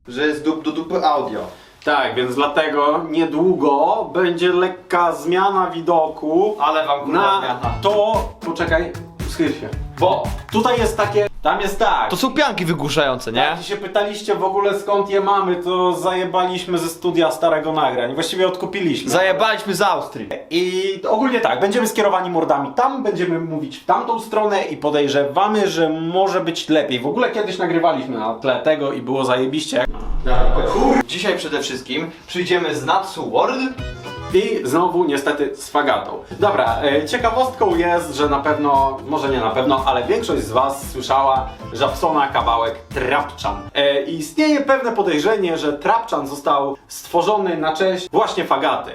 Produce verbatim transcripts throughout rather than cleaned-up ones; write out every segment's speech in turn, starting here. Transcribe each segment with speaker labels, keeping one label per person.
Speaker 1: że jest dup do dupy audio.
Speaker 2: Tak, więc dlatego niedługo będzie lekka zmiana widoku.
Speaker 1: Ale wam kurwa
Speaker 2: na
Speaker 1: zmiana.
Speaker 2: to... Poczekaj, schyl się.
Speaker 1: Bo
Speaker 2: Tutaj jest takie... Tam jest tak.
Speaker 1: to są pianki wygłuszające, nie?
Speaker 2: Jak się pytaliście w ogóle skąd je mamy, to zajebaliśmy ze studia starego nagrań. Właściwie odkupiliśmy.
Speaker 1: Zajebaliśmy z Austrii.
Speaker 2: I ogólnie tak, będziemy skierowani mordami tam, będziemy mówić w tamtą stronę i podejrzewamy, że może być lepiej. W ogóle kiedyś nagrywaliśmy na tle tego i było zajebiście.
Speaker 1: Dzisiaj przede wszystkim przyjdziemy z Natsu World.
Speaker 2: I znowu niestety z fagatą. Dobra, e, ciekawostką jest, że na pewno, może nie na pewno, ale większość z was słyszała Żabsona kawałek Trapczan. E, I istnieje pewne podejrzenie, że Trapczan został stworzony na cześć właśnie fagaty.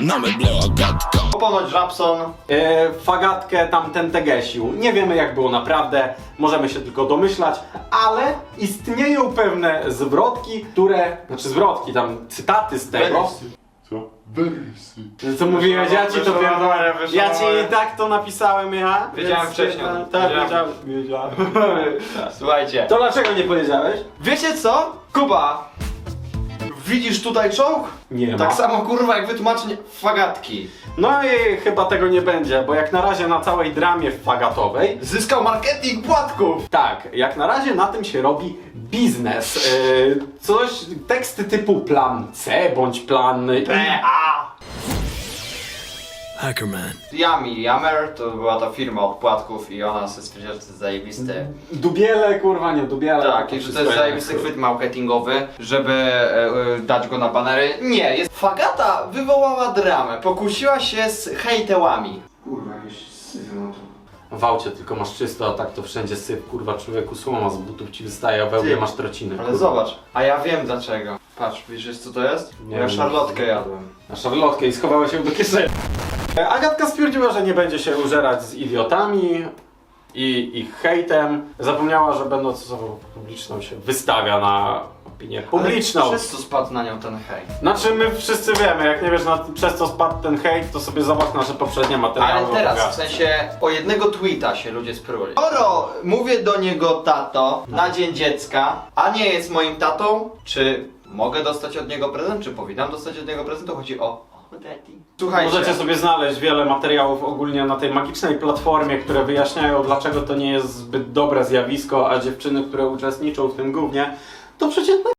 Speaker 1: Ponoć Rapson.
Speaker 2: E, fagatkę tamten tegesił. Nie wiemy jak było naprawdę, możemy się tylko domyślać, ale istnieją pewne zwrotki, które, znaczy zwrotki, tam cytaty z tego. Co? Wersy. Co mówiłeś, ja ci to pierdolę. Ja ci i tak to napisałem ja.
Speaker 1: Wiedziałem
Speaker 2: więc,
Speaker 1: wcześniej.
Speaker 2: e, Tak,
Speaker 1: Wiedziałem.
Speaker 2: wiedziałem. wiedziałem.
Speaker 1: Słuchajcie.
Speaker 2: To dlaczego nie powiedziałeś?
Speaker 1: Wiecie co? Kuba! Widzisz tutaj czołg?
Speaker 2: Nie ma.
Speaker 1: Tak samo kurwa jak wytłumaczenie fagatki.
Speaker 2: No i chyba tego nie będzie, bo jak na razie na całej dramie fagatowej,
Speaker 1: Zyskał marketing płatków!
Speaker 2: tak, jak na razie na tym się robi biznes. Yy, coś, teksty typu plan C bądź plan
Speaker 1: P A
Speaker 3: Hackerman.
Speaker 1: Yummy Yammer to była ta firma od płatków i ona sobie stwierdziła, że to jest zajebiste.
Speaker 2: Dubiele, kurwa nie, dubiele.
Speaker 1: Tak, i że to jest zajebisty chwyt marketingowy, żeby e, e, dać go na banery. Nie, jest... Fagata wywołała dramę, pokusiła się z hejtełami.
Speaker 2: Kurwa, jakieś syf na to. W aucie tylko masz czysto, a tak to wszędzie syf, kurwa, człowieku słoma z butów ci wystaje, a we łbie
Speaker 1: Ty,
Speaker 2: masz trociny.
Speaker 1: Ale
Speaker 2: kurwa.
Speaker 1: zobacz, a ja wiem dlaczego. Patrz, widzisz co to jest?
Speaker 2: Nie
Speaker 1: Ja
Speaker 2: wiem.
Speaker 1: szarlotkę jadłem.
Speaker 2: Na szarlotkę i schowała się do kieszeni. Agatka stwierdziła, że nie będzie się użerać z idiotami i ich hejtem. Zapomniała, że będąc osobą publiczną się wystawia na opinię publiczną.
Speaker 1: Ale przez co spadł na nią ten hejt?
Speaker 2: Znaczy my wszyscy wiemy, jak nie wiesz na, przez co spadł ten hejt, to sobie zobacz nasze poprzednie materiały.
Speaker 1: Ale
Speaker 2: o
Speaker 1: teraz, w
Speaker 2: Agatce.
Speaker 1: sensie, o jednego tweeta się ludzie spruli. Skoro mówię do niego tato na dzień dziecka, a nie jest moim tatą, czy mogę dostać od niego prezent, czy powinnam dostać od niego prezent, to chodzi o... o daddy. Słuchajcie,
Speaker 2: Możecie sobie znaleźć wiele materiałów ogólnie na tej magicznej platformie, które wyjaśniają, dlaczego to nie jest zbyt dobre zjawisko, a dziewczyny, które uczestniczą w tym gównie, to przeciętne.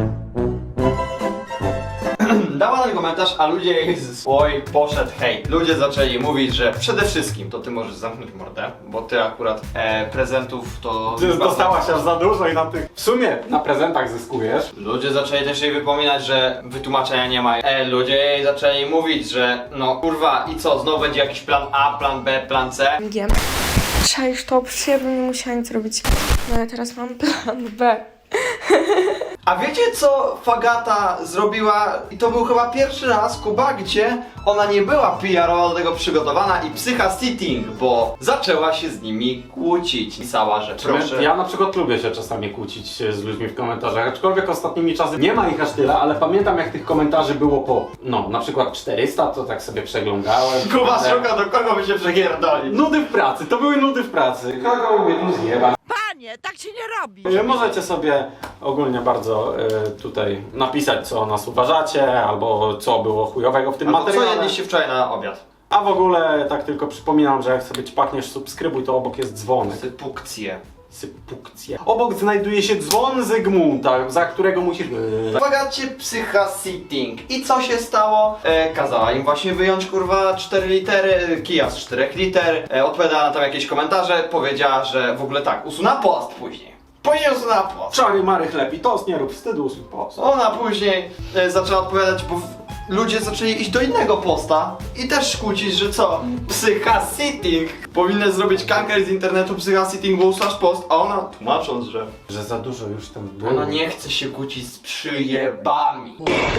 Speaker 1: dała na ten komentarz, a ludzie z oj, poszedł hejt. Ludzie zaczęli mówić, że przede wszystkim to ty możesz zamknąć mordę, bo ty akurat e, prezentów to...
Speaker 2: Ty dostałaś aż za dużo i na tych... W sumie na prezentach zyskujesz.
Speaker 1: Ludzie zaczęli też jej wypominać, że wytłumaczenia nie ma. E, ludzie jej zaczęli mówić, że no kurwa i co, znowu będzie jakiś plan A, plan B, plan C.
Speaker 4: Wiem. Czaisz to, przecież ja bym nie musiała nic robić. No ale teraz mam plan B.
Speaker 1: A wiecie co Fagata zrobiła? I to był chyba pierwszy raz, Kuba, gdzie ona nie była P R owo do tego przygotowana i psycha sitting, bo zaczęła się z nimi kłócić. Pisała, że proszę...
Speaker 2: Ja na przykład lubię się czasami kłócić z ludźmi w komentarzach, aczkolwiek ostatnimi czasy nie ma ich aż tyle, ale pamiętam jak tych komentarzy było po, no na przykład czterysta, to tak sobie przeglądałem.
Speaker 1: Kuba
Speaker 2: Ale-
Speaker 1: szuka do kogo by się przegierdoli.
Speaker 2: Nudy w pracy, to były nudy w pracy. Kogo mówię, tu zjeba.
Speaker 3: Panie, tak się nie robi.
Speaker 2: Możecie sobie ogólnie bardzo y, tutaj napisać, co o nas uważacie, albo co było chujowego w tym
Speaker 1: Albo co
Speaker 2: materiale.
Speaker 1: jedliście wczoraj na obiad?
Speaker 2: A w ogóle tak tylko przypominam, że jak sobie ćpakniesz subskrybuj, to obok jest dzwonek.
Speaker 1: Sypukcje.
Speaker 2: Sypukcje. Obok znajduje się dzwon Zygmunta, za którego musisz...
Speaker 1: Fagacie psycha sitting. I co się stało? E, kazała im właśnie wyjąć kurwa cztery litery, kija z czterech liter. E, odpowiadała na tam jakieś komentarze, powiedziała, że w ogóle tak, usunęła post później. Później usunęła post.
Speaker 2: Czary mary chleb i tost, nie rób wstydu, usuń post.
Speaker 1: Ona później e, zaczęła odpowiadać, bo w- ludzie zaczęli iść do innego posta i też kłócić, że co? Psycha sitting. Powinny zrobić kanker z internetu psycha sitting, bo slash post, a ona tłumacząc, że
Speaker 2: Że za dużo już tam było.
Speaker 1: ona nie chce się kłócić z przyjebami.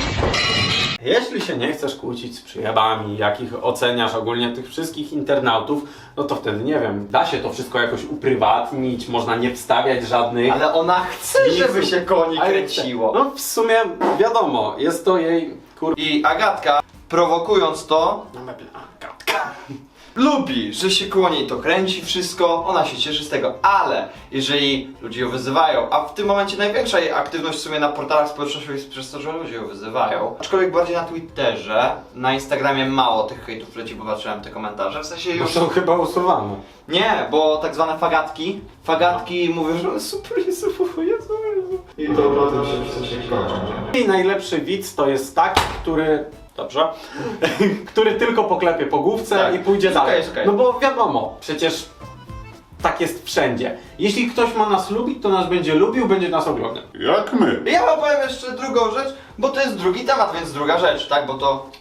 Speaker 2: Jeśli się nie chcesz kłócić z przyjebami, jakich oceniasz ogólnie tych wszystkich internautów, no to wtedy nie wiem, da się to wszystko jakoś uprywatnić, można nie wstawiać żadnych...
Speaker 1: Ale ona chce, żeby się koni
Speaker 2: Ale-
Speaker 1: kręciło.
Speaker 2: No w sumie wiadomo, jest to jej kur...
Speaker 1: I Agatka, prowokując to,
Speaker 2: No meble, Agatka.
Speaker 1: lubi, że się koło niej to kręci wszystko, ona się cieszy z tego, ale jeżeli ludzie ją wyzywają, a w tym momencie największa jej aktywność w sumie na portalach społecznościowych jest przez to, że ludzie ją wyzywają, aczkolwiek bardziej na Twitterze, na Instagramie mało tych hejtów leci, bo patrzyłem te komentarze, w sensie
Speaker 2: Bo
Speaker 1: już...
Speaker 2: są chyba usuwane.
Speaker 1: Nie, bo tak zwane fagatki, fagatki mówią, że super, Jezu, Jezu, Jezu. I to naprawdę się w sensie kończy.
Speaker 2: I najlepszy widz to jest taki, który... Dobrze. który tylko poklepie po główce
Speaker 1: Tak.
Speaker 2: i pójdzie
Speaker 1: Jest
Speaker 2: dalej.
Speaker 1: okej, jest okej.
Speaker 2: No bo wiadomo, przecież tak jest wszędzie. Jeśli ktoś ma nas lubić, to nas będzie lubił, będzie nas oglądał.
Speaker 5: Jak my?
Speaker 1: Ja wam powiem jeszcze drugą rzecz, bo to jest drugi temat, więc druga rzecz, tak? Bo to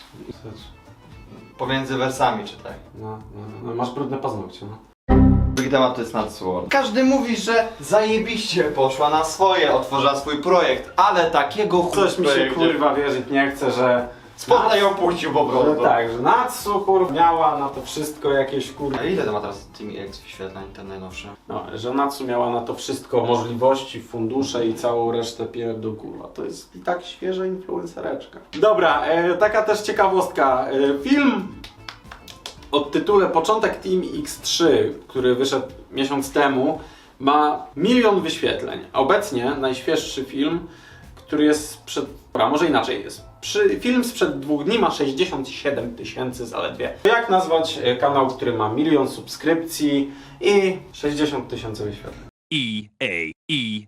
Speaker 1: pomiędzy wersami czytaj.
Speaker 2: No, no, no masz brudne paznokcie, no.
Speaker 1: Drugi temat to jest Nadsworn. Każdy mówi, że zajebiście poszła na swoje, otworzyła swój projekt, ale takiego chuj
Speaker 2: Coś mi się
Speaker 1: projekcie.
Speaker 2: kurwa wierzyć nie chce, że...
Speaker 1: Spodnie ją puścił po
Speaker 2: Że
Speaker 1: prostu.
Speaker 2: tak, że Natsu kurwa miała na to wszystko jakieś kurwa...
Speaker 1: A ile to ma teraz Team X wyświetleń, ten najnowszy?
Speaker 2: No, że Natsu miała na to wszystko możliwości, fundusze i całą resztę pierdół, kurwa. To jest i tak świeża influencereczka. Dobra, e, taka też ciekawostka. E, film o tytule Początek Team X trzy, który wyszedł miesiąc temu, ma milion wyświetleń. Obecnie najświeższy film, który jest sprzed... Dobra, może inaczej jest. Przy, film sprzed dwóch dni ma sześćdziesiąt siedem tysięcy zaledwie. Jak nazwać e, kanał, który ma milion subskrypcji i sześćdziesiąt tysięcy wyświetleń?
Speaker 6: E A E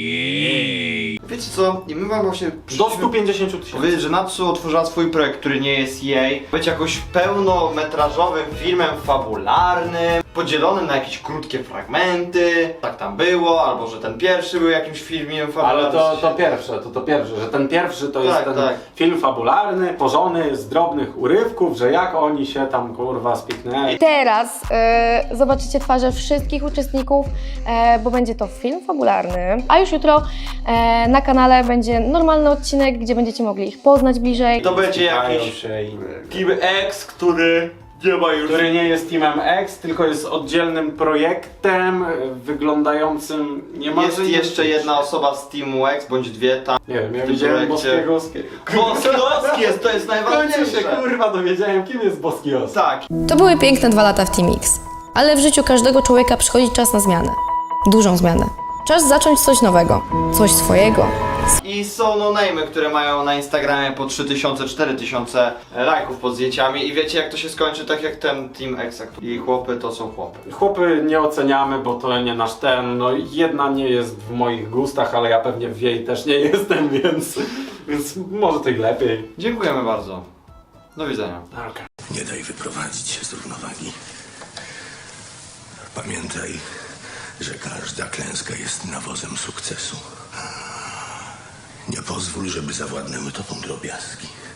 Speaker 6: Yay.
Speaker 1: Wiecie co? I my wam właśnie
Speaker 2: Do stu pięćdziesięciu tysięcy.
Speaker 1: powiedzieć, że Natsu otworzyła swój projekt, który nie jest jej, być jakoś pełnometrażowym filmem fabularnym, podzielonym na jakieś krótkie fragmenty, tak tam było, albo że ten pierwszy był jakimś filmem fabularnym.
Speaker 2: Ale to, to pierwsze, to to pierwsze, że ten pierwszy to jest
Speaker 1: Tak,
Speaker 2: ten
Speaker 1: tak.
Speaker 2: film fabularny, pożony z drobnych urywków, że jak oni się tam kurwa spiknęli.
Speaker 7: Teraz e, zobaczycie twarze wszystkich uczestników, e, bo będzie to film fabularny, a już jutro e, na kanale będzie normalny odcinek, gdzie będziecie mogli ich poznać bliżej.
Speaker 1: To będzie
Speaker 2: Spikają
Speaker 1: jakiś
Speaker 2: się i...
Speaker 1: Team X, który nie ma już...
Speaker 2: który nie jest Teamem X, tylko jest oddzielnym projektem y, wyglądającym niemalże...
Speaker 1: Jest jeszcze jedna osoba z Teamu X, bądź dwie tam.
Speaker 2: Nie wiem, ja
Speaker 1: w tym
Speaker 2: widziałem
Speaker 1: projekcie.
Speaker 2: Boskiego Oskiego.
Speaker 1: Boski jest, to jest
Speaker 2: W końcu
Speaker 1: najważniejsze.
Speaker 2: się kurwa dowiedziałem, kim jest Boski Oski.
Speaker 1: Tak.
Speaker 7: To były piękne dwa lata w Team X, ale w życiu każdego człowieka przychodzi czas na zmianę. Dużą zmianę. Czas zacząć coś nowego, coś swojego.
Speaker 1: I są no-name'y, które mają na Instagramie po trzy tysiące, cztery tysiące lajków pod zdjęciami i wiecie jak to się skończy, tak jak ten Team X. I chłopy to są chłopy.
Speaker 2: Chłopy nie oceniamy, bo to nie nasz ten, no jedna nie jest w moich gustach, ale ja pewnie w jej też nie jestem, więc, więc może to i lepiej.
Speaker 1: Dziękujemy bardzo. Do widzenia.
Speaker 2: Okay.
Speaker 6: Nie daj wyprowadzić się z równowagi. Pamiętaj, że każda klęska jest nawozem sukcesu. Nie pozwól, żeby zawładnęły tobą drobiazgi.